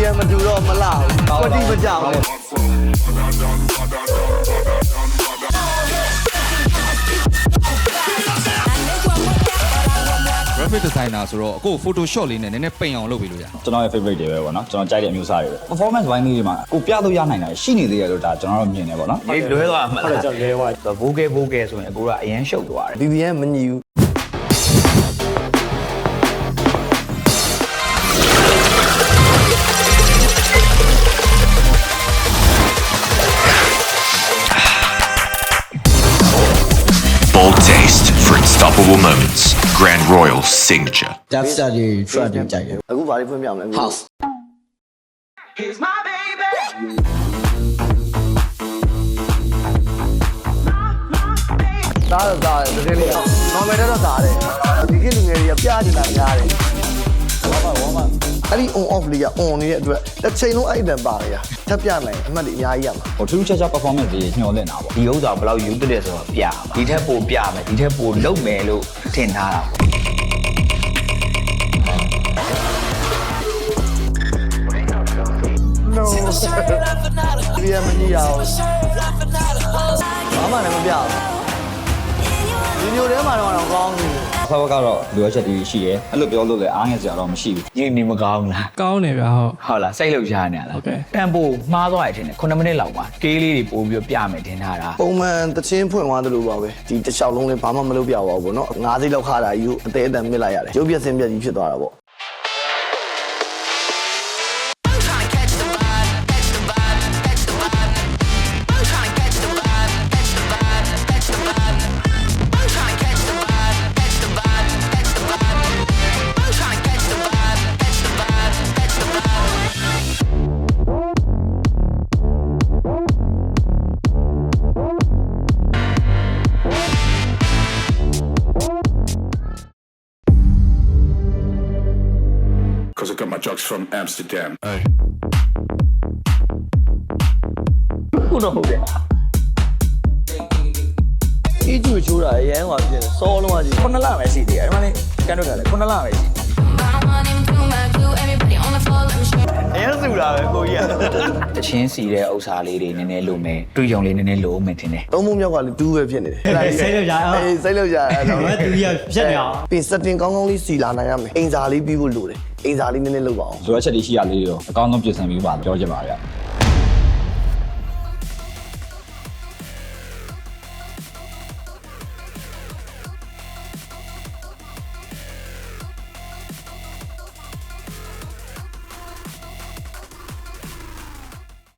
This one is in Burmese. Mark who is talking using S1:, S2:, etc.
S1: နဲ့မတူတော့မလားကွတိမကြောက်ဘူး
S2: graphic designer ဆိုတော့အခု Photoshop လေးနဲ့နည်းနည်းပိန်အောင်လုပ်ပေးလို့ရ
S3: ကျွန်တော်ရဲ့ favorite တွေပဲပေါ့နော်ကျွန်တော်ကြိုက်တဲ့အမျိုးအစားတွေပဲ performance ဘိုင်းလေးတွေမှာကိုပြလို့ရနိုင်တာရှိနေသေးတယ်လို့ဒါကျွန်တော်တို့မြင်နေပေါ့နော်
S4: လွဲသွားမှာဟုတ်တယ်ကျွန်တော်လွဲသွားဘိုးကဲဆိုရင်အကိုကအရန်ရှုပ်သွားတယ်
S1: BBN မညီဘူး
S5: Bold taste for unstoppable moments. Grand Royal signature.
S6: That's the try to take it.
S1: အခုဘာလေးဖွင့်ပြမလဲ
S6: House.
S7: He's my baby.
S1: သားတော့သားတယ်တကယ်လေး normal တော့သားတယ်ဒီကိလူငယ်တွေကပြနေတာများတယ်ဝါပါအဲ့ဒီ on off လေးက on နေတဲ့အတွက်တစ်ချိန်လုံးအဲ့အတန်ပါလေထပ်ပြနိုင်အမှတ်တွေအများကြီးရမှာ
S3: ဟိုထူးခြားခြား performance တွေညှော်လင့်တာပေါ့
S4: ဒီဥစ္စာဘယ်လောက်ယူတဲ့ဆိုတော့ပြမှာဒီထက်ပိုပြမယ်ဒီထက်ပိုလုပ်မယ်လို့ထင်ထားတာပေါ့
S1: BBN မညီရအောင်ဘာမှလည်းမပြဘူးဒီမျိုးထဲမှာတော့ကောင်းနေတယ်
S3: ဆောက်ကတော့လိုအပ်ချက်တွေရှိရဲအဲ့လိုပြောလို့လည်းအားငယ်စရာတော့မရှိဘူး
S4: ညနေမကောင်းလား
S8: ကောင်းတယ်ဗျာဟုတ်
S4: ဟုတ်လားစိတ်လှုပ်ရှားနေရလားတန်ဖိုးမှားသွားရထင်တယ်9မိနစ်လောက်ပါကေးလေးတွေပို့ပြီးပြမယ်ထင်ထားတာ
S1: ပုံမှန်တချင်းဖွင့်သွားသလိုပါပဲဒီတစ်လျှောက်လုံးလေးဘာမှမလုပ်ပြပါဘူးပေါ့နော်9စိတ်လောက်ခါတာယူအသေးအတန်မြစ်လိုက်ရတယ်ရုပ်ပြက်စင်းပြက်ကြီးဖြစ်သွားတာပေါ့
S5: Because I got my drugs from Amsterdam.
S4: ခုတော့ဟုတ်တယ်
S1: အေးကျူချိုးတာအရန်ဟွာဖြစ်တယ်စောလုံးကကြီး
S4: 9လပဲရှိသေးတယ်ဒီမှာလေကန်တော့တယ်လေ9လပဲရှိ
S1: အရန်စုတာပဲကိုကြီးက
S4: တချင်းစီတဲ့ဥစ္စာလေးတွေနည်းနည်းလိုမယ်တွေးကြုံလေးနည်းနည်းလိုမယ်ထင်တယ်
S1: သုံးမှုမြောက်ကလည်းတူးပဲဖြစ်နေတယ်
S6: စိတ်လောက်ကြအောင်
S1: အေးစိတ်လောက်ကြအဲ့တော့
S6: ဘာတူရဖြတ်နေအောင်
S1: ပြီး setting ကောင်းကောင်းလေးစီလာနိုင်ရမယ်အိမ်စာလေးပြီးဖို့လိုတယ်အိမ်စာလေးနည်းနည်းလုပ်ပါအောင်
S3: လိုအပ်ချက်တွေရှိရလေးတွေတော့အကောင်းဆုံးပြင်ဆင်ပြီးပါပြောချင်ပါဗျ